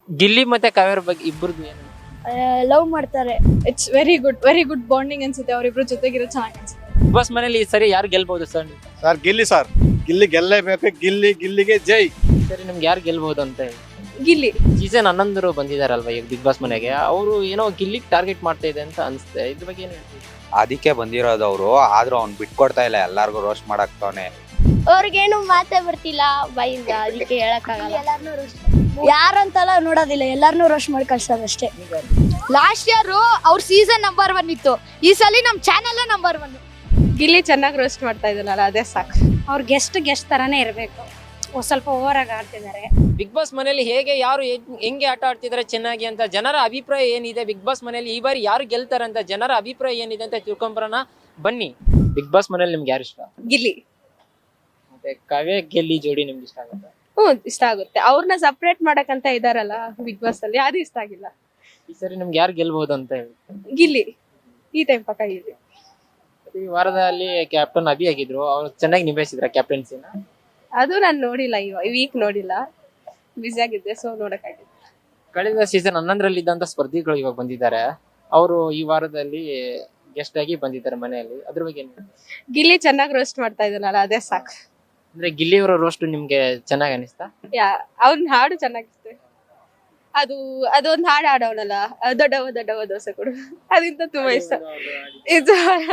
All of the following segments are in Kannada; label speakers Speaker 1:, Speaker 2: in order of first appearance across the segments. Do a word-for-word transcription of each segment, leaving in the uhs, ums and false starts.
Speaker 1: ಗಿಲ್ಲಿ ಮತ್ತೆ ಕಾವೇರಿ ಬಗ್ಗೆ ಇಬ್ಬರದು ಏನು
Speaker 2: ಲವ್ ಮಾಡ್ತಾರೆ.
Speaker 3: It's very good very good bonding ಅನ್ಸುತ್ತೆ ಅವರಿಬ್ರು ಜೊತೆಗಿರೋ ಚೆನ್ನಾಗಿ ಅನ್ಸುತ್ತೆ.
Speaker 1: ಬಿಗ್ ಬಾಸ್ ಮನೇಲಿ ಈ ಸರಿ ಯಾರು ಗೆಲ್ಬಹುದು sir?
Speaker 4: Sir Gilli sir Gilli ಗೆಲ್ಲೇಬೇಕು. ಗಿಲ್ಲಿ ಗಿಲ್ಲಿಗೆ ಜೈ.
Speaker 1: ಸರಿ ನಿಮ್ಗೆ ಯಾರು ಗೆಲ್ಬಹುದು ಅಂತ ಹೇಳಿ.
Speaker 3: ಗಿಲ್ಲಿ
Speaker 1: ಸೀಸನ್ ಹನ್ನೊಂದರು ಬಂದಿದಾರಲ್ವಾ ಈಗ ಬಿಗ್ ಬಾಸ್ ಮನೆಗೆ, ಅವರು ಏನೋ ಗಿಲ್ಲಿಗೆ ಟಾರ್ಗೆಟ್ ಮಾಡ್ತಾ ಇದೆ ಅಂತ ಅನ್ಸುತ್ತೆ. ಇದ್ರ ಬಗ್ಗೆ ಏನು ಹೇಳ್ತೀವಿ?
Speaker 5: ಅದಕ್ಕೆ ಬಂದಿರೋದು ಅವರು, ಆದ್ರೂ ಅವ್ನು ಬಿಟ್ಕೊಡ್ತಾ ಇಲ್ಲ, ಎಲ್ಲಾರ್ಗು ರೋಸ್ಟ್ ಮಾಡಾಕ್ತವನೆ.
Speaker 2: ಅವ್ರಿಗೇನು ಮಾತೇ ಬರ್ತಿಲ್ಲ ಬಾಯಿಂದ, ಅದಕ್ಕೆ ಹೇಳಕ್ಕಾಗಲ್ಲ. ಯಾರಂತೆಲ್ಲ ನೋಡೋದಿಲ್ಲ, ಎಲ್ಲಾರನ್ನೂ ರೋಸ್ಟ್ ಮಾಡಿ ಕಳ್ಸೋದಷ್ಟೇ.
Speaker 6: ಲಾಸ್ಟ್ ಇಯರ್ ಅವ್ರ ಸೀಸನ್ ನಂಬರ್ ಒನ್ ಇತ್ತು, ಈ ಸಲ ನಮ್ ಚಾನೆಲ್ ನಂಬರ್ ಒನ್.
Speaker 3: ಗಿಲ್ಲಿ ಚೆನ್ನಾಗಿ ರೋಸ್ಟ್ ಮಾಡ್ತಾ ಇದ್ದಾನಲ್ಲ ಅದೇ ಸಾಕು.
Speaker 2: ಅವ್ರ ಗೆಸ್ಟ್ ಗೆಸ್ಟ್ ತರಾನೇ ಇರಬೇಕು, ಸ್ವಲ್ಪ ಓವರ್ ಆಗಿ ಆಡ್ತಿದ್ದಾರೆ.
Speaker 1: ಬಿಗ್ ಬಾಸ್ ಮನೆಯಲ್ಲಿ ಹೇಗೆ ಯಾರು ಹೆಂಗ್- ಹೆಂಗೆ ಆಟ ಆಡ್ತಿದ್ದಾರೆ ಚೆನ್ನಾಗಿ ಅಂತ ಜನರ ಅಭಿಪ್ರಾಯ ಏನಿದೆ, ಬಿಗ್ ಬಾಸ್ ಮನೆಯಲ್ಲಿ ಈ ಬಾರಿ ಯಾರು ಗೆಲ್ತಾರೆ ಅಂತ ಜನರ ಅಭಿಪ್ರಾಯ ಏನಿದೆ ಅಂತ ತಿಳ್ಕೊಂಬರೋಣ ಬನ್ನಿ. ಬಿಗ್ ಬಾಸ್ ಮನೇಲಿ ನಿಮ್ಗೆ ಯಾರು ಇಷ್ಟ?
Speaker 3: ಗಿಲ್ಲಿ
Speaker 1: ಮತ್ತೆ ಕಾವ್ಯ ಗೆಲ್ಲಿ ಜೋಡಿ ನಿಮ್ಗೆ ಇಷ್ಟ ಆಗುತ್ತೆ?
Speaker 3: ಹ್ಮ್ ಇಷ್ಟ ಆಗುತ್ತೆ. ಅವ್ರನ್ನ ಸಪ್ರೇಟ್ ಮಾಡಕ್ಕಂತ ಇದಾರಲ್ಲ ಬಿಗ್ ಬಾಸ್ ಅಲ್ಲಿ, ಯಾರು ಇಷ್ಟ ಆಗಿಲ್ಲ.
Speaker 1: ಈ ಸರಿ ನಿಮ್ಗೆ ಯಾರು ಗೆಲ್ಬಹುದು ಅಂತ ಹೇಳಿ.
Speaker 3: ಗಿಲ್ಲಿ ಈ ಟೈಮ್ ಪಕ್ಕ ಗಿಲ್ಲಿ.
Speaker 1: ಈ ವಾರದಲ್ಲಿ ಕ್ಯಾಪ್ಟನ್ ಅಭಿ ಆಗಿದ್ರು, ಅವ್ರು ಚೆನ್ನಾಗಿ ನಿಭಾಯಿಸಿದ್ರ ಕ್ಯಾಪ್ಟನ್ಸಿನ?
Speaker 3: ಅದು ನಾನು ನೋಡಿಲ್ಲ, ಇವ ವೀಕ್ ನೋಡಿಲ್ಲ, ಬಿಸಿ ಆಗಿದ್ದೆ, ಸೊ ನೋಡಕ್ಕಾಗಿಲ್ಲ.
Speaker 1: ಕಳೆದ ಸೀಸನ್ ಹನ್ನೊಂದರಲ್ಲಿ ಇದ್ದಂತ ಸ್ಪರ್ಧಿಗಳು ಇವಾಗ ಬಂದಿದ್ದಾರೆ, ಅವರು ಈ ವಾರದಲ್ಲಿ ಗೆಸ್ಟ್ ಆಗಿ ಬಂದಿದ್ದಾರೆ ಮನೆಯಲ್ಲಿ. ಅದ್ರ ಬಗ್ಗೆ ಏನು?
Speaker 3: ಗಿಲ್ಲಿ ಚೆನ್ನಾಗಿ ರೋಸ್ಟ್ ಮಾಡ್ತಾ ಇದ್ದಾನಲ್ಲ ಅದೇ ಸಾಕು.
Speaker 1: ಅಂದ್ರೆ ಗಿಲ್ಲಿಯವರ ರೋಸ್ಟ್ ನಿಮ್ಗೆ ಚೆನ್ನಾಗಿ ಅನಿಸ್ತಾ?
Speaker 3: ಯಾ ಅವ್ನ ಹಾಡು ಚೆನ್ನಾಗಿರುತ್ತೆ. ಅದು ಅದೊಂದು ಹಾಡು ಹಾಡೋಣಲ್ಲ, ದೊಡ್ಡವ ದೊಡ್ಡವ ದೋಸೆ ಕೊಡು, ಅದಿಂತ ತುಂಬಾ ಇಷ್ಟ. ಇದು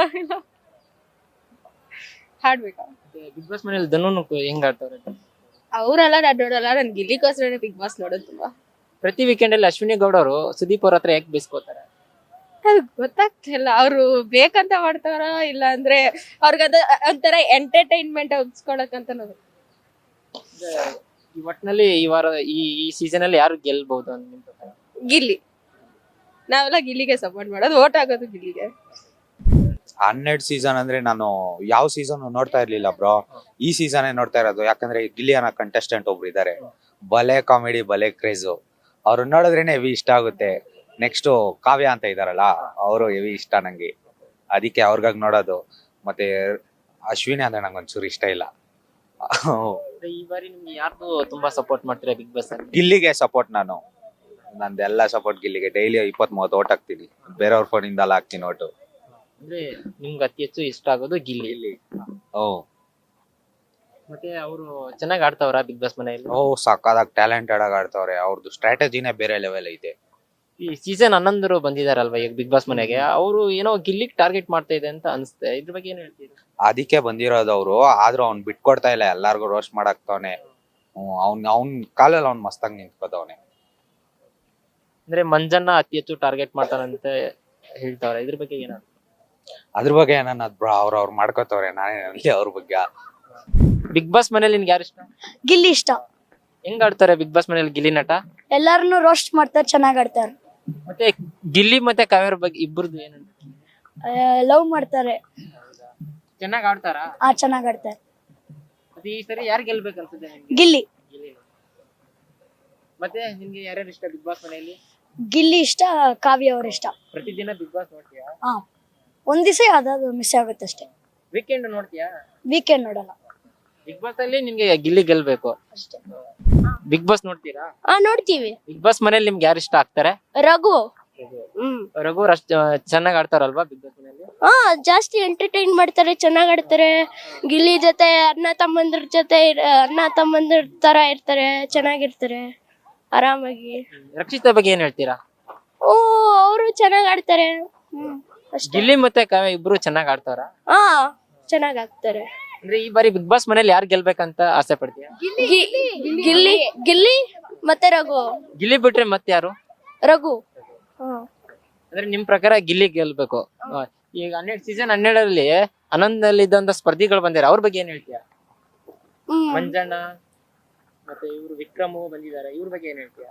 Speaker 3: ಹಾಡ್ಬೇಕಾ?
Speaker 1: ಬಿಗ್ ಬಾಸ್ ಮನೇಲಿ ಧನು ಹೆಂಗ್ ಆಡ್ತಾರೆ?
Speaker 3: ಅವರೆಲ್ಲ ನಾನು ನೋಡಲ್ಲ, ನನ್ ಗಿಲ್ಲಿಗೋಸ್ಕರ ಬಿಗ್ ಬಾಸ್ ನೋಡೋದು ತುಂಬಾ.
Speaker 1: ಪ್ರತಿ ವೀಕೆಂಡ್ ಅಲ್ಲಿ ಅಶ್ವಿನಿ ಗೌಡ ಅವರು ಸುದೀಪ್ ಅವ್ರ ಹತ್ರ ಯಾಕೆ ಬೇಸ್ಕೋತಾರೆ?
Speaker 3: ಅದು ಗೊತ್ತಾಗ್ತಿಲ್ಲ, ಅವ್ರು ಬೇಕಂತ ಮಾಡ್ತಾರ ಇಲ್ಲ ಅಂದ್ರೆ ಅವ್ರಿಗದ ಒಂಥರ ಎಂಟರ್ಟೈನ್ಮೆಂಟ್ ಉಗ್ಸ್ಕೊಳಕಂತ ನೋಡಿ.
Speaker 1: ಈ ಒಟ್ನಲ್ಲಿ ಈ ವಾರ ಈ ಈ ಸೀಸನ್ ಅಲ್ಲಿ ಯಾರು ಗೆಲ್ಬಹುದು ಅಂತ ನಿಮ್ ಪ್ರಕಾರ?
Speaker 3: ಗಿಲ್ಲಿ. ನಾವೆಲ್ಲ ಗಿಲ್ಲಿಗೆ ಸಪೋರ್ಟ್ ಮಾಡೋದು, ಓಟ್ ಆಗೋದು ಗಿಲ್ಲಿಗೆ.
Speaker 5: ಹನ್ನೆರಡು ಸೀಸನ್ ಅಂದ್ರೆ ನಾನು ಯಾವ ಸೀಸನ್ ನೋಡ್ತಾ ಇರ್ಲಿಲ್ಲ ಬ್ರೋ, ಈ ಸೀಸನ್ ನೋಡ್ತಾ ಇರೋದು. ಯಾಕಂದ್ರೆ ಗಿಲ್ಲಿ ಅನ್ನೋ ಕಂಟೆಸ್ಟೆಂಟ್ ಒಬ್ರು ಇದಾರೆ, ಬಲೆ ಕಾಮಿಡಿ ಬಲೆ ಕ್ರೇಜು. ಅವ್ರು ನೋಡಿದ್ರೇನೆ ಹೆವಿ ಇಷ್ಟ ಆಗುತ್ತೆ. ನೆಕ್ಸ್ಟ್ ಕಾವ್ಯ ಅಂತ ಇದಾರಲ್ಲ, ಅವರು ಹೆವಿ ಇಷ್ಟ ನಂಗೆ, ಅದಕ್ಕೆ ಅವ್ರಿಗಾಗಿ ನೋಡೋದು. ಮತ್ತೆ ಅಶ್ವಿನಿ ಅಂದ್ರೆ ನಂಗೆ ಒಂಚೂರು ಇಷ್ಟ ಇಲ್ಲ.
Speaker 1: ಈ ಬಾರಿ ನಿಮ್ಗೆ ಯಾರ್ದು ತುಂಬಾ ಸಪೋರ್ಟ್ ಮಾಡ್ತೀರಾ ಬಿಗ್ ಬಾಸ್ ಅಲ್ಲಿ?
Speaker 5: ಗಿಲ್ಲಿಗೆ ಸಪೋರ್ಟ್ ನಾನು, ನಂದೆಲ್ಲ ಸಪೋರ್ಟ್ ಗಿಲ್ಲಿಗೆ. ಡೈಲಿ ಇಪ್ಪತ್ ಮೂವತ್ತು ಓಟ್ ಹಾಕ್ತೀನಿ, ಬೇರೆಯವ್ರ ಫೋನ್ ಇಂದ ಹಾಕ್ತೀನಿ ಓಟು.
Speaker 1: ಅಂದ್ರೆ ನಿಮ್ಗೆ ಅತಿ ಹೆಚ್ಚು ಇಷ್ಟ ಆಗೋದು ಗಿಲ್ಲಿ.
Speaker 5: ಓ
Speaker 1: ಮತ್ತೆ ಅವರು ಚೆನ್ನಾಗಿ ಆಡ್ತಾವ್ರ ಬಿಗ್ ಬಾಸ್ ಮನೆಯಲ್ಲಿ?
Speaker 5: ಓ ಸಕ್ಕದಾಗ ಟ್ಯಾಲೆಂಟೆಡ್ ಆಗಿ ಆಡ್ತಾವ್ರೆ, ಅವ್ರದ್ದು ಸ್ಟ್ರಾಟಜಿನೇ ಬೇರೆ ಲೆವೆಲ್ ಐತೆ.
Speaker 1: ಈ ಸೀಸನ್ ಹನ್ನೊಂದರು ಬಂದಿದಾರಲ್ವಾ ಈಗ ಬಿಗ್ ಬಾಸ್ ಮನೆಗೆ, ಅವರು ಏನೋ ಗಿಲ್ಲಿಗ್ ಟಾರ್ಗೆಟ್ ಮಾಡ್ತಾ ಇದೆ ಅಂತ ಅನ್ಸುತ್ತೆ. ಇದ್ರ ಬಗ್ಗೆ ಏನ್ ಹೇಳ್ತೀರಿ?
Speaker 5: ಅದಕ್ಕೆ ಬಂದಿರೋದು ಅವರು, ಆದ್ರೂ ಅವ್ನ್ ಬಿಟ್ಕೊಡ್ತಾ ಇಲ್ಲ, ಎಲ್ಲಾರ್ಗು ರೋಸ್ಟ್ ಮಾಡಾಕ್ತವನೆ. ಅವ್ನ್ ಅವ್ನ್ ಕಾಲಲ್ಲಿ ಅವ್ನ್ ಮಸ್ತಾಗಿ ನಿಂತ್ಕೋತವನೆ.
Speaker 1: ಅಂದ್ರೆ ಮಂಜನ್ನ ಅತಿ ಹೆಚ್ಚು ಟಾರ್ಗೆಟ್ ಮಾಡ್ತಾರಂತ ಹೇಳ್ತಾವ್ರೆ, ಇದ್ರ ಬಗ್ಗೆ ಏನ?
Speaker 5: ಅದ್ರ ಬಗ್ಗೆ ಏನನ್ನ ಬ್ರೋ, ಅವ್ರ ಅವ್ರು ಮಾಡ್ಕೋತವ್ರೆ, ನಾನೇ ಅಲ್ಲಿ ಅವ್ರ ಬಗ್ಗೆ.
Speaker 1: ಬಿಗ್ ಬಾಸ್ ಮನೇಲಿ ನಿನ್ಗೆ ಯಾರು ಇಷ್ಟ?
Speaker 2: ಗಿಲ್ಲಿ ಇಷ್ಟ.
Speaker 1: ಹೆಂಗ್ ಆಡ್ತಾರೆ ಬಿಗ್ ಬಾಸ್ ಮನೇಲಿ ಗಿಲ್ಲಿ ನಟ?
Speaker 2: ಎಲ್ಲಾರನ್ನೂ ರೋಸ್ಟ್ ಮಾಡ್ತಾರೆ, ಚೆನ್ನಾಗ್ ಆಡ್ತಾರೆ.
Speaker 1: ಮತ್ತೆ ಗಿಲ್ಲಿ ಮತ್ತೆ ಕಾವೇರಿ ಬಗ್ಗೆ ಇಬ್ಬರದು ಏನು?
Speaker 2: ಲವ್ ಮಾಡ್ತಾರೆ.
Speaker 1: ಚೆನ್ನಾಗಿ ಆಡ್ತಾರಾ?
Speaker 2: ಆ ಚೆನ್ನಾಗ್ ಆಡ್ತಾರೆ.
Speaker 1: ಮತ್ತೆ ಈ ಸರಿ ಯಾರು ಗೆಲ್ಬೇಕು ಅನ್ಸುತ್ತೆ ನಿಮ್ಗೆ?
Speaker 2: ಗಿಲ್ಲಿ.
Speaker 1: ಗಿಲ್ಲಿ. ಮತ್ತೆ ನಿಮ್ಗೆ ಯಾರ್ಯಾರು ಇಷ್ಟ ಬಿಗ್ ಬಾಸ್ ಮನೆಯಲ್ಲಿ?
Speaker 2: ಗಿಲ್ಲಿ ಇಷ್ಟ, ಕಾವ್ಯ ಅವ್ರ ಇಷ್ಟ.
Speaker 1: ಪ್ರತಿದಿನ ಬಿಗ್ ಬಾಸ್ ನೋಡ್ತೀಯಾ?
Speaker 2: ಹಾ, ಒಂದ್ ದಿವಸ ಯಾವ್ದಾದ್ರು ಮಿಸ್ ಆಗುತ್ತೆ ಅಷ್ಟೇ.
Speaker 1: ವೀಕೆಂಡ್ ನೋಡ್ತೀಯಾ?
Speaker 2: ವೀಕೆಂಡ್ ನೋಡಲ್ಲ
Speaker 1: ಬಿಗ್ ಬಾಸ್ ಅಲ್ಲಿ ನಿಮ್ಗೆ ಗಿಲ್ಲಿ ಗೆಲ್ಬೇಕು
Speaker 2: ಅಷ್ಟೇ.
Speaker 1: ಬಿಗ್ ಬಾಸ್ ನೋಡ್ತೀರಾ?
Speaker 2: ಹಾ ನೋಡ್ತೀವಿ.
Speaker 1: ಬಿಗ್ ಬಾಸ್ ಮನೇಲಿ ನಿಮ್ಗೆ ಯಾರು ಇಷ್ಟ ಆಗ್ತಾರೆ?
Speaker 2: ರಘು. ಹ್ಮ್
Speaker 1: ರಘು ಅಷ್ಟ್ ಚೆನ್ನಾಗ್ ಆಡ್ತಾರಲ್ವಾ ಬಿಗ್ ಬಾಸ್ ಮನೆಯಲ್ಲಿ?
Speaker 2: ಹಾ, ಜಾಸ್ತಿ ಎಂಟರ್ಟೈನ್ ಮಾಡ್ತಾರೆ, ಚೆನ್ನಾಗ್ ಆಡ್ತಾರೆ. ಗಿಲ್ಲಿ ಜೊತೆ ಅಣ್ಣ ತಮ್ಮಂದ್ರ ಜೊತೆ ಇರ್- ಅಣ್ಣ ತಮ್ಮಂದ್ರ ತರ ಇರ್ತಾರೆ, ಚೆನ್ನಾಗಿರ್ತಾರೆ ಆರಾಮಾಗಿ.
Speaker 1: ರಕ್ಷಿತಾ ಬಗ್ಗೆ ಏನ್ ಹೇಳ್ತೀರಾ?
Speaker 2: ಓ, ಅವರು ಚೆನ್ನಾಗ್ ಆಡ್ತಾರೆ. ಹ್ಮ್ ಅಷ್ಟೇ.
Speaker 1: ಗಿಲ್ಲಿ ಮತ್ತೆ ಕಾವ್ಯ ಇಬ್ರು ಚೆನ್ನಾಗ್ ಆಡ್ತಾರ?
Speaker 2: ಹಾ, ಚೆನ್ನಾಗ್ ಆಗ್ತಾರೆ.
Speaker 1: ಅಂದ್ರೆ ಈ ಬಾರಿ ಬಿಗ್ ಬಾಸ್ ಮನೇಲಿ ಯಾರು ಗೆಲ್ಬೇಕಂತ ಆಸೆ ಪಡ್ತೀಯ?
Speaker 2: ಗಿ- ಗಿಲ್ಲಿ ಗಿಲ್ಲಿ ಮತ್ತೆ ರಘು.
Speaker 1: ಗಿಲ್ಲಿ ಬಿಟ್ರೆ ಮತ್ತೆ ಯಾರು?
Speaker 2: ರಘು. ಹಾ,
Speaker 1: ಅಂದ್ರೆ ನಿಮ್ ಪ್ರಕಾರ ಗಿಲ್ಲಿ ಗೆಲ್ಬೇಕು. ಆ, ಈಗ ಹನ್ನೆರಡು ಸೀಸನ್ ಹನ್ನೆರಡರಲ್ಲಿ ಹನ್ನೊಂದಲ್ಲಿ ಇದ್ದಂತ ಸ್ಪರ್ಧಿಗಳು ಬಂದಿದ್ದಾರೆ, ಅವ್ರ ಬಗ್ಗೆ ಏನ್ ಹೇಳ್ತೀಯ?
Speaker 2: ಹ್ಮ್
Speaker 1: ಮಂಜಣ್ಣ ಮತ್ತೆ ಇವ್ರು ವಿಕ್ರಮ್ ಬಂದಿದ್ದಾರೆ, ಇವ್ರ ಬಗ್ಗೆ ಏನ್ ಹೇಳ್ತೀಯ?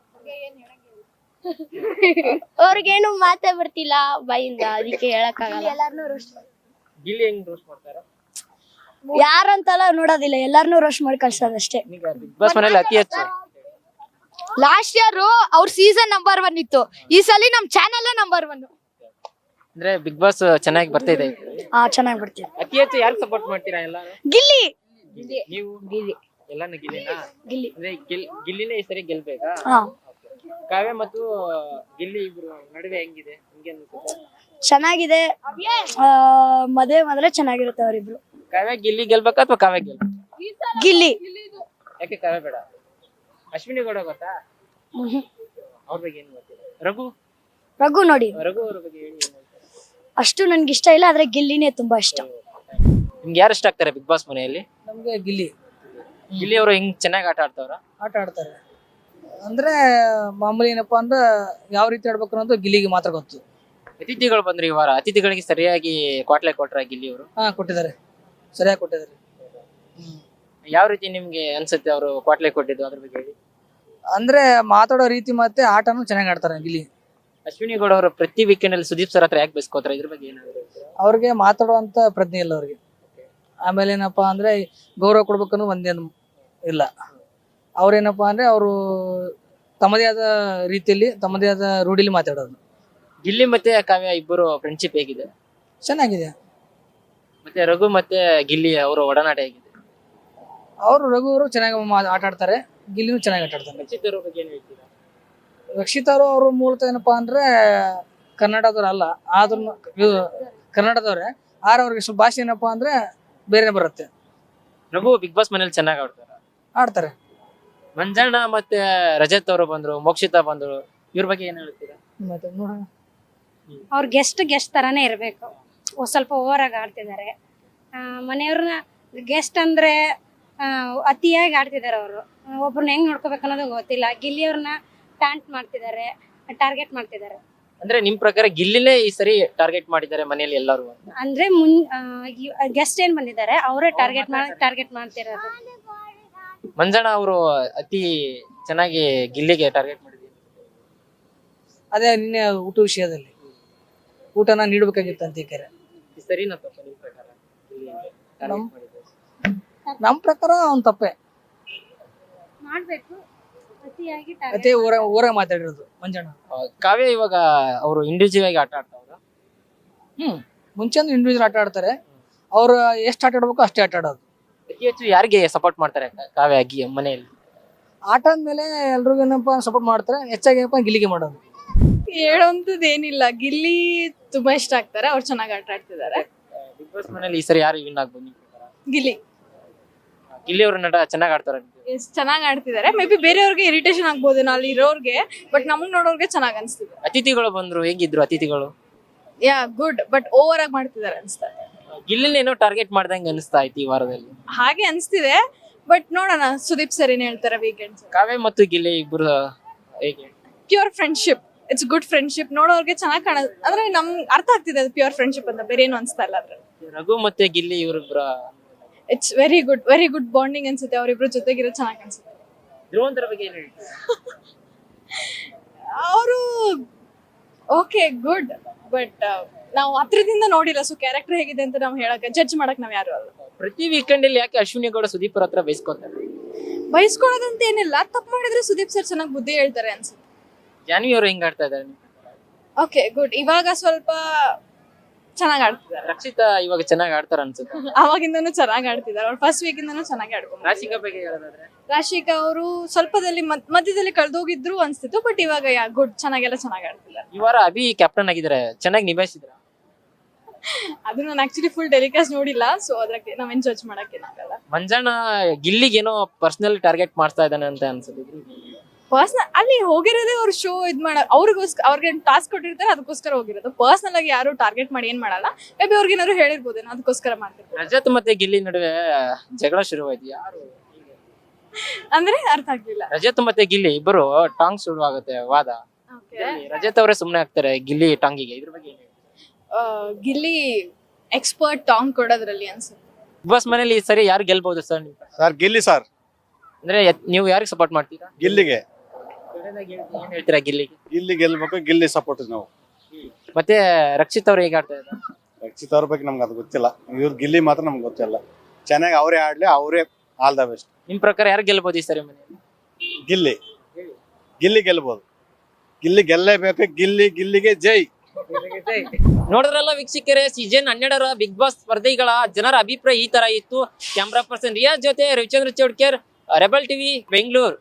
Speaker 2: ಅವ್ರಿಗೇನು ಮಾತೇ ಬರ್ತಿಲ್ಲ ಬಾಯಿಂದ, ಅದಕ್ಕೆ ಹೇಳಕ್ಕಾಗಲ್ಲ.
Speaker 1: ಗಿಲ್ಲಿ ಹೆಂಗ್ ರೋಸ್ಟ್ ಮಾಡ್ತಾರೆ?
Speaker 2: ಯಾರಂತೆಲ್ಲ ನೋಡೋದಿಲ್ಲ, ಎಲ್ಲಾರನ್ನೂ ರೋಸ್ಟ್ ಮಾಡಿ ಕಳ್ಸೋದಷ್ಟೇ.
Speaker 1: ಈಗ ಬಿಗ್ ಬಾಸ್ ಮನೇಲಿ ಅತಿ ಹೆಚ್ಚು
Speaker 6: ಲಾಸ್ಟ್ ಇಯರ್ ಅವ್ರ ಸೀಸನ್ ನಂಬರ್ ಒನ್ ಇತ್ತು, ಈ ಸಲ ನಮ್ ಚಾನೆಲ್ ನಂಬರ್ ಒನ್.
Speaker 1: ಅಂದ್ರೆ ಬಿಗ್ ಬಾಸ್ ಚೆನ್ನಾಗಿ ಬರ್ತಾ ಇದೆ.
Speaker 2: ಹಾ, ಚೆನ್ನಾಗಿ ಬರ್ತೀವಿ.
Speaker 1: ಅತಿ ಹೆಚ್ಚು ಯಾರು ಸಪೋರ್ಟ್ ಮಾಡ್ತೀರಾ ಎಲ್ಲ?
Speaker 2: ಗಿಲ್ಲಿ.
Speaker 1: ನೀವು ಗಿಲ್ಲಿ ಎಲ್ಲಾನು ಗಿಲ್ಲಿನಾ?
Speaker 2: ಗಿಲ್ಲಿ.
Speaker 1: ಅಂದ್ರೆ ಗಿಲ್ ಗಿಲ್ಲಿನೇ ಈ ಸರಿ ಗೆಲ್ಬೇಕಾ?
Speaker 2: ಹಾ,
Speaker 1: ಕಾವ್ಯ ಮತ್ತು ಗಿಲ್ಲಿ ಇಬ್ರು ನಡುವೆ ಹೆಂಗಿದೆ ನಿಮ್ಗೆ ಅನ್ಸುತ್ತೆ?
Speaker 2: ಚೆನ್ನಾಗಿದೆ. ಮದುವೆ ಮಾಡಿದ್ರೆ ಚೆನ್ನಾಗಿರುತ್ತೆ ಅವರಿಬ್ರು.
Speaker 1: ಕಾವ್ಯ ಗಿಲ್ಲಿ ಗೆಲ್ಬೇಕಾ ಅಥವಾ ಕಾವ್ಯ ಗೆಲ್ಬೇಕಾ?
Speaker 2: ಗಿಲ್ಲಿ.
Speaker 1: ಯಾಕೆ ಕಾವ್ಯ ಬೇಡ? ಅಶ್ವಿನಿ ಗೌಡ ಗೊತ್ತಾ? ಅವ್ರ ಬಗ್ಗೆ ಏನ್ ಗೊತ್ತಿಲ್ಲ. ರಘು
Speaker 2: ರಘು ನೋಡಿ,
Speaker 1: ರಘು ಅವ್ರ ಬಗ್ಗೆ ಹೇಳಿ ಏನ್ ಹೇಳ್ತಾರೆ?
Speaker 2: ಅಷ್ಟು ನನ್ಗೆ ಇಷ್ಟ ಇಲ್ಲ, ಆದ್ರೆ ಗಿಲ್ಲಿನೇ ತುಂಬಾ ಇಷ್ಟ.
Speaker 1: ನಿಮ್ಗೆ ಯಾರು ಇಷ್ಟ ಆಗ್ತಾರೆ ಬಿಗ್ ಬಾಸ್ ಮನೆಯಲ್ಲಿ?
Speaker 7: ನಮ್ಗೆ ಗಿಲ್ಲಿ
Speaker 1: ಗಿಲ್ಲಿ ಅವರು ಹೆಂಗ್ ಚೆನ್ನಾಗಿ ಆಟ ಆಡ್ತಾವ್ರ?
Speaker 7: ಆಟ ಆಡ್ತಾರೆ. ಅಂದ್ರೆ ಮಾಮೂಲಿ ಏನಪ್ಪಾ ಅಂದ್ರೆ ಯಾವ ರೀತಿ ಆಡ್ಬೇಕು ಅನ್ನೋದು ಗಿಲ್ಲಿಗೆ ಮಾತ್ರ ಗೊತ್ತು.
Speaker 1: ಅತಿಥಿಗಳು ಬಂದ್ರೆ ಈ ವಾರ ಅತಿಥಿಗಳಿಗೆ ಸರಿಯಾಗಿ ಕ್ವಾಟ್ಲೆ ಕೊಟ್ರ ಗಿಲ್ಲಿ ಅವರು?
Speaker 7: ಹಾ ಕೊಟ್ಟಿದ್ದಾರೆ, ಸರಿಯಾಗಿ ಕೊಟ್ಟಿದ್ದಾರೆ. ಹ್ಮ್
Speaker 1: ಯಾವ ರೀತಿ ನಿಮ್ಗೆ ಅನ್ಸುತ್ತೆ ಅವರು ಕ್ವಾಟ್ಲೆ ಕೊಟ್ಟಿದ್ದು, ಅದ್ರ ಬಗ್ಗೆ ಹೇಳಿ.
Speaker 7: ಅಂದ್ರೆ ಮಾತಾಡೋ ರೀತಿ ಮತ್ತೆ ಆಟನು ಚೆನ್ನಾಗಿ ಆಡ್ತಾರೆ ಗಿಲ್ಲಿ.
Speaker 1: ಅಶ್ವಿನಿ ಗೌಡ ಅವರು ಪ್ರತಿ ವೀಕೆಂಡ್ ಅಲ್ಲಿ ಸುದೀಪ್ ಸರ್ ಹತ್ರ ಯಾಕೆ ಬೆಸ್ಕೋತಾರೆ, ಇದ್ರ ಬಗ್ಗೆ ಏನಾದ್ರು?
Speaker 7: ಅವ್ರಿಗೆ ಮಾತಾಡುವಂತ ಪ್ರಜ್ಞೆ ಇಲ್ಲ ಅವ್ರಿಗೆ. ಆಮೇಲೆ ಏನಪ್ಪಾ ಅಂದ್ರೆ ಗೌರವ ಕೊಡ್ಬೇಕನ್ನೋ ಒಂದೇನು ಇಲ್ಲ. ಅವ್ರೇನಪ್ಪಾ ಅಂದ್ರೆ ಅವರು ತಮ್ಮದೇ ಆದ ರೀತಿಯಲ್ಲಿ ತಮ್ಮದೇ ಆದ ರೂಢಿಲಿ ಮಾತಾಡೋದು.
Speaker 1: ಗಿಲ್ಲಿ ಮತ್ತೆ ಕಾವ್ಯ ಇಬ್ಬರು ಫ್ರೆಂಡ್ಶಿಪ್ ಹೇಗಿದೆ?
Speaker 7: ಚೆನ್ನಾಗಿದೆ.
Speaker 1: ಮತ್ತೆ ರಘು ಮತ್ತೆ ಗಿಲ್ಲಿ ಅವರ ಒಡನಾಟ ಹೇಗಿದೆ?
Speaker 7: ಅವರು ರಘು ಅವರು ಚೆನ್ನಾಗಿ ಮಾ- ಆಟ ಆಡ್ತಾರೆ, ಗಿಲ್ಲಿನೂ ಚೆನ್ನಾಗಿ ಆಟ ಆಡ್ತಾರೆ.
Speaker 1: ರಕ್ಷಿತ್ ಅವ್ರ ಬಗ್ಗೆ ಏನ್ ಹೇಳ್ತೀರಾ?
Speaker 7: ರಕ್ಷಿತಾರು ಅವರು ಮೂಲತಃ ಏನಪ್ಪಾ ಅಂದ್ರೆ ಕನ್ನಡದವ್ರು ಅಲ್ಲ, ಆದ್ರೂ ಕನ್ನಡದವ್ರೆ. ಆದ್ರೆ ಅವ್ರಿಗೆ ಸ್ವಲ್ಪ ಭಾಷೆ ಏನಪ್ಪಾ ಅಂದ್ರೆ ಬೇರೆ ಬರುತ್ತೆ.
Speaker 1: ರಘು ಬಿಗ್ ಬಾಸ್ ಮನೇಲಿ ಚೆನ್ನಾಗಿ ಆಡ್ತಾರ.
Speaker 7: ಆಡ್ತಾರೆ.
Speaker 1: ಮಂಜಣ್ಣ ಮತ್ತೆ ರಜತ್ ಅವರು ಬಂದ್ರು, ಮೋಕ್ಷಿತಾ ಬಂದ್ರು, ಇವ್ರ ಬಗ್ಗೆ ಏನ್ ಹೇಳ್ತೀರಾ?
Speaker 7: ಮತ್ತೆ ನೋಡೋಣ.
Speaker 8: ಅವ್ರ ಗೆಸ್ಟ್ ಗೆಸ್ಟ್ ತರಾನೇ ಇರಬೇಕು. ಸ್ವಲ್ಪ ಓವರ್ ಆಗಿ ಆಡ್ತಿದ್ದಾರೆ. ಮನೆಯವ್ರನ್ನ ಗೆಸ್ಟ್ ಅಂದ್ರೆ ಆ, ಅತಿಯಾಗಿ ಆಡ್ತಿದ್ದಾರೆ ಅವರು. ಒಬ್ರನ್ನ ಹೆಂಗ್ ನೋಡ್ಕೋಬೇಕು ಅನ್ನೋದು ಗೊತ್ತಿಲ್ಲ. ಗಿಲ್ಲಿಯವ್ರನ್ನ ಟ್ಯಾಂಟ್ ಮಾಡ್ತಿದ್ದಾರೆ, ಟಾರ್ಗೆಟ್ ಮಾಡ್ತಿದ್ದಾರೆ.
Speaker 1: ಅಂದ್ರೆ ನಿಮ್ ಪ್ರಕಾರ ಗಿಲ್ಲಿನೇ ಈ ಸರಿ ಟಾರ್ಗೆಟ್ ಮಾಡಿದ್ದಾರೆ ಮನೆಯಲ್ಲಿ ಎಲ್ಲರೂ ಅಂತ?
Speaker 8: ಅಂದ್ರೆ ಮುನ್ ಗೆಸ್ಟ್ ಏನ್ ಬಂದಿದ್ದಾರೆ ಅವರೇ ಟಾರ್ಗೆಟ್ ಮಾಡಿ ಟಾರ್ಗೆಟ್ ಮಾಡ್ತಿರೋದು.
Speaker 1: ಮಂಜಣ್ಣ ಅವರು ಅತಿ ಚೆನ್ನಾಗಿ ಗಿಲ್ಲಿಗೆ ಟಾರ್ಗೆಟ್ ಮಾಡಿದ್ರು.
Speaker 7: ಅದೇ ನಿನ್ನೆ ಊಟ ವಿಷಯದಲ್ಲಿ ಊಟನ ನೀಡಬೇಕಾಗಿತ್ತು ಅಂತ ಈ
Speaker 1: ಈ ಸರಿನಾ ತಪ್ಪ ನಿಮ್ ಪ್ರಕಾರ ಗಿಲ್ಲಿ target
Speaker 7: ನಮ್-
Speaker 1: ಮಾಡಿದ್ದು?
Speaker 7: ನಮ್ಮ ಪ್ರಕಾರ ಅವ್ನ್ ತಪ್ಪೆ.
Speaker 8: ಮಾಡ್ಬೇಕು, ಅತಿಯಾಗಿ
Speaker 7: ಅದೇ ಊರ ಊರಾಗ ಮಾತಾಡಿರೋದು ಮಂಜಣ್ಣ.
Speaker 1: ಆ, ಕಾವ್ಯ ಇವಾಗ ಅವರು ಇಂಡಿವಿಜುವಲ್ ಆಗಿ ಆಟ ಆಡ್ತಾವ್ರ?
Speaker 7: ಹ್ಮ್ ಮುಂಚೆ ಅಂದ್ರೆ ಇಂಡಿವಿಜುವಲ್ ಆಟ ಆಡ್ತಾರೆ. ಅವ್ರು ಎಷ್ಟು ಆಟ ಆಡ್ಬೇಕು ಅಷ್ಟೇ ಆಟ ಆಡೋದು.
Speaker 1: ಅತಿ ಹೆಚ್ಚು ಯಾರಿಗೆ ಸಪೋರ್ಟ್ ಮಾಡ್ತಾರೆ ಕಾವ್ಯ ಗಿ- ಮನೆಯಲ್ಲಿ?
Speaker 7: ಆಟ ಆದ್ಮೇಲೆ ಎಲ್ರಿಗೂ ಏನಪ್ಪಾ ಸಪೋರ್ಟ್ ಮಾಡ್ತಾರೆ, ಹೆಚ್ಚಾಗಿ ಏನಪ್ಪಾ ಗಿಲ್ಲಿಗೆ ಮಾಡೋದು.
Speaker 3: ಹೇಳೋಂಥದ್ದು ಏನಿಲ್ಲ, ಗಿಲ್ಲಿ ತುಂಬಾ ಇಷ್ಟ ಆಗ್ತಾರೆ, ಅವ್ರು ಚೆನ್ನಾಗಿ ಆಟ ಆಡ್ತಿದ್ದಾರೆ.
Speaker 1: ಬಿಗ್ ಬಾಸ್ ಮನೇಲಿ ಈ ಸರಿ ಯಾರು ವಿನ್ ಆಗ್ಬೋದು ನಿಮ್ ಪ್ರಕಾರ?
Speaker 3: ಗಿಲ್ಲಿ
Speaker 1: ಗಿಲ್ಲಿ ಅವ್ರ ನಟ ಚೆನ್ನಾಗಿ ಆಡ್ತಾರ?
Speaker 3: ಎಷ್ಟ್ ಚೆನ್ನಾಗಿ ಆಡ್ತಿದ್ದಾರೆ. ಮೇ ಬಿ ಬೇರೆಯವ್ರಿಗೆ ಇರಿಟೇಷನ್ ಆಗ್ಬೋದು ಅಲ್ಲಿ ಇರೋರ್ಗೆ, ಬಟ್ ನಮಗ್ ನೋಡೋರ್ಗೆ ಚೆನ್ನಾಗಿ ಅನ್ಸ್ತಿದೆ.
Speaker 1: ಅತಿಥಿಗಳು ಬಂದ್ರು, ಹೇಗಿದ್ರು ಅತಿಥಿಗಳು?
Speaker 3: ಯಾ ಗುಡ್, ಬಟ್ ಓವರ್ ಆಗಿ ಮಾಡ್ತಿದ್ದಾರೆ ಅನ್ಸ್ತಾರೆ.
Speaker 1: ಗಿಲ್ಲಿನೇನೋ ಟಾರ್ಗೆಟ್ ಮಾಡ್ದಂಗೆ ಅನಿಸ್ತಾ ಐತಿ ಈ ವಾರದಲ್ಲಿ.
Speaker 3: ಹಾಗೆ ಅನ್ಸ್ತಿದೆ, ಬಟ್ ನೋಡೋಣ ಸುದೀಪ್ ಸರ್ ಏನ್ ಹೇಳ್ತಾರೆ ವೀಕೆಂಡ್ಸ್.
Speaker 1: ಕಾವ್ಯ ಮತ್ತು ಗಿಲ್ಲಿ ಇಬ್ಬರು ಹೇಗೆ?
Speaker 3: Pure friendship, it's good friendship. ನೋಡೋರ್ಗೆ ಚೆನ್ನಾಗಿ ಕಾಣ ಅಂದ್ರೆ ನಮ್ ಅರ್ಥ ಆಗ್ತಿದೆ ಅದು ಪ್ಯೂರ್ ಫ್ರೆಂಡ್ಶಿಪ್ ಅಂತ, ಬೇರೆ ಏನು ಅನ್ಸ್ತಾ ಇಲ್ಲ ಅದ್ರಲ್ಲಿ.
Speaker 1: ರಘು ಮತ್ತೆ ಗಿಲ್ಲಿ ಇವರಿಬ್ಬರ
Speaker 3: it's very good, very good bonding ಅನ್ಸುತ್ತೆ. ಅವರಿಬ್ರು ಜೊತೆಗಿರೋ ಚೆನ್ನಾಗಿ ಅನ್ಸುತ್ತೆ.
Speaker 1: ಧ್ರುವಂತರ ಬಗ್ಗೆ ಏನ್ ಹೇಳ್ತೀರಾ?
Speaker 3: ಅವರು ಓಕೆ ಗುಡ್, ಬಟ್ ನಾವು ಹತ್ರದಿಂದ ನೋಡಿಲ್ಲ, ಸೊ ಕ್ಯಾರೆಕ್ಟರ್ ಹೇಗಿದೆ ಅಂತ ನಾವು ಹೇಳಕ್ ಜಡ್ಜ್ ಮಾಡಕ್ ನಾವ್ ಯಾರು ಅಲ್ಲ.
Speaker 1: ಪ್ರತಿ ವೀಕೆಂಡ್ ಅಲ್ಲಿ ಯಾಕೆ ಅಶ್ವಿನಿ ಗೌಡ ಸುದೀಪ್ ಅವ್ರ ಹತ್ರ ಬೈಸ್ಕೊತಾರೆ?
Speaker 3: ಬಯಸ್ಕೊಳ್ಳೋದಂತ ಏನಿಲ್ಲ, ತಪ್ಪು ಮಾಡಿದ್ರೆ ಸುದೀಪ್ ಸರ್ ಚೆನ್ನಾಗಿ ಬುದ್ಧಿ ಹೇಳ್ತಾರೆ ಅನ್ಸುತ್ತೆ.
Speaker 1: ಜಾನ್ವಿ ಅವರು ಹೆಂಗ್ ಆಡ್ತಾ ಇದಾರೆ?
Speaker 3: ಓಕೆ ಗುಡ್, ಇವಾಗ ಸ್ವಲ್ಪ ಚೆನ್ನಾಗಿ ಆಡ್ತಿದ್ದಾರೆ.
Speaker 1: ರಕ್ಷಿತಾ ಇವಾಗ ಚೆನ್ನಾಗಿ ಆಡ್ತಾರ ಅನ್ಸುತ್ತೆ.
Speaker 3: ಅವಾಗಿಂದನೂ ಚೆನ್ನಾಗಿ ಆಡ್ತಿದ್ದಾರೆ, ಅವ್ರು ಫಸ್ಟ್ ವೀಕ್ ಇಂದನೂ ಚೆನ್ನಾಗಿ ಆಡ್ಕೊಂಡು.
Speaker 1: ರಾಶಿಕಾ ಬಗ್ಗೆ ಹೇಳೋದಾದ್ರೆ?
Speaker 3: ರಾಶಿಕಾ ಅವರು ಸ್ವಲ್ಪದಲ್ಲಿ ಮದ್- ಮಧ್ಯದಲ್ಲಿ ಕಳ್ದೋಗಿದ್ರು ಅನ್ಸ್ತಿತ್ತು, ಬಟ್ ಇವಾಗ ಯಾ ಗುಡ್, ಚೆನ್ನಾಗೆಲ್ಲ ಚೆನ್ನಾಗಿ ಆಡ್ತಿದ್ದಾರೆ.
Speaker 1: ಈ ವಾರ ಅಭಿ ಕ್ಯಾಪ್ಟನ್ ಆಗಿದ್ದಾರೆ, ಚೆನ್ನಾಗಿ ನಿಭಾಯಿಸಿದ್ರ?
Speaker 3: ಅದು ನಾನು ಆಕ್ಚುಲಿ ಫುಲ್ ಟೆಲಿಕಾಸ್ಟ್ ನೋಡಿಲ್ಲ, ಸೊ ಅದಕ್ಕೆ ನಾವೇನ್ ಜಡ್ಜ್ ಮಾಡಕ್ ಏನಾಗಲ್ಲ.
Speaker 1: ಮಂಜಣ್ಣ ಗಿಲ್ಲಿಗೇನೋ ಪರ್ಸನಲ್ ಟಾರ್ಗೆಟ್ ಮಾಡ್ತಾ ಇದ್ದಾನೆ ಅಂತ ಅನ್ಸುತ್ತೆ.
Speaker 3: ಪರ್ಸನಲ್ ಅಲ್ಲಿ ಹೋಗಿರೋದೇ ಅವ್ರ ಶೋ ಇದ್ ಮಾಡ ಅವ್ರಿಗೋಸ್ಕರ, ಅವ್ರಿಗೆ ಟಾಸ್ಕ್ ಕೊಟ್ಟಿರ್ತಾರೆ ಅದಕ್ಕೋಸ್ಕರ ಹೋಗಿರೋದು. ಪರ್ಸನಲ್ ಆಗಿ ಯಾರು ಟಾರ್ಗೆಟ್ ಮಾಡಿ ಏನ್ ಮಾಡಲ್ಲ. ಮೇ ಬಿ ಅವ್ರಿಗೆ ಏನಾದ್ರು ಹೇಳಿರ್ಬೋದೇನೋ, ಅದಕ್ಕೋಸ್ಕರ ಮಾಡ್ತಿರ್ಬೋದು.
Speaker 1: ರಜತ್ ಮತ್ತೆ ಗಿಲ್ಲಿ ನಡುವೆ ಜಗಳ ಶುರುವಾಯ್ತು, ಯಾರು
Speaker 3: ಅಂದ್ರೆ ಅರ್ಥ ಆಗ್ಲಿಲ್ಲ.
Speaker 1: ರಜತ್ ಮತ್ತೆ ಗಿಲ್ಲಿ ಇಬ್ಬರು ಟಾಂಗ್ ಶುರುವಾಗುತ್ತೆ ವಾದ. ರಜತ್ ಅವರೇ ಸುಮ್ನೆ ಆಗ್ತಾರೆ ಗಿಲ್ಲಿ ಟಾಂಗಿಗೆ, ಇದ್ರ ಬಗ್ಗೆ ಏನ್ ಹೇಳ್ತೀರಾ?
Speaker 3: ಆ, ಗಿಲ್ಲಿ ಎಕ್ಸ್ಪರ್ಟ್ ಟಾಂಗ್ ಕೊಡೋದ್ರಲ್ಲಿ ಅನ್ಸುತ್ತೆ.
Speaker 1: ಬಿಗ್ ಬಾಸ್ ಮನೇಲಿ ಈ ಸರಿ ಯಾರು ಗೆಲ್ಬಹುದು ಸರ್?
Speaker 4: ಸರ್ ಗಿಲ್ಲಿ ಸರ್,
Speaker 1: ಅಂದ್ರೆ ಎತ್- ನೀವು ಯಾರಿಗೆ ಸಪೋರ್ಟ್ ಮಾಡ್ತೀರಾ?
Speaker 4: ಗಿಲ್ಲಿಗೆ
Speaker 1: ಏನ್ ಹೇಳ್ತೀರಾ ಗಿಲ್ಲಿಗೆ?
Speaker 4: ಗಿಲ್ಲಿ ಗೆಲ್ಬೇಕು, ಗಿಲ್ಲಿ ಸಪೋರ್ಟ್ ನಾವು.
Speaker 1: ಮತ್ತೆ ರಕ್ಷಿತ್ ಅವ್ರು ಹೇಗೆ ಆಡ್ತಾ ಇದ್ದಾರೆ?
Speaker 4: ರಕ್ಷಿತ್ ಅವ್ರ ಬಗ್ಗೆ ನಮ್ಗೆ ಅದು ಗೊತ್ತಿಲ್ಲ, ಇವ್ರು ಗಿಲ್ಲಿ ಮಾತ್ರ ನಮ್ಗೆ ಗೊತ್ತಿಲ್ಲ. ಚೆನ್ನಾಗಿ ಅವರೇ ಆಡ್ಲಿ, ಅವರೇ ಆಲ್ ದ ಬೆಸ್ಟ್.
Speaker 1: ನಿಮ್ ಪ್ರಕಾರ ಯಾರು ಗೆಲ್ಬಹುದು ಈ ಸರಿ ಮನೆಯಲ್ಲಿ?
Speaker 4: ಗಿಲ್ಲಿ ಗಿಲ್ಲಿ ಗೆಲ್ಬೋದು, ಗಿಲ್ಲಿ ಗೆಲ್ಲೇಬೇಕು, ಗಿಲ್ಲಿ ಗಿಲ್ಲಿಗೆ ಜೈ.
Speaker 1: ನೋಡಿದ್ರಲ್ಲ ವೀಕ್ಷಕರೇ, ಸೀಸನ್ ಹನ್ನೆರಡರ ಬಿಗ್ ಬಾಸ್ ಸ್ಪರ್ಧಿಗಳ ಜನರ ಅಭಿಪ್ರಾಯ ಈ ತರ ಇತ್ತು. ಕ್ಯಾಮ್ರಾ ಪರ್ಸನ್ ರಿಯಾಜ್ ಜೊತೆ ರವಿಚಂದ್ರ ಚೌಡ್ಕರ್, ರೆಬಲ್ ಟಿವಿ ಬೆಂಗಳೂರು.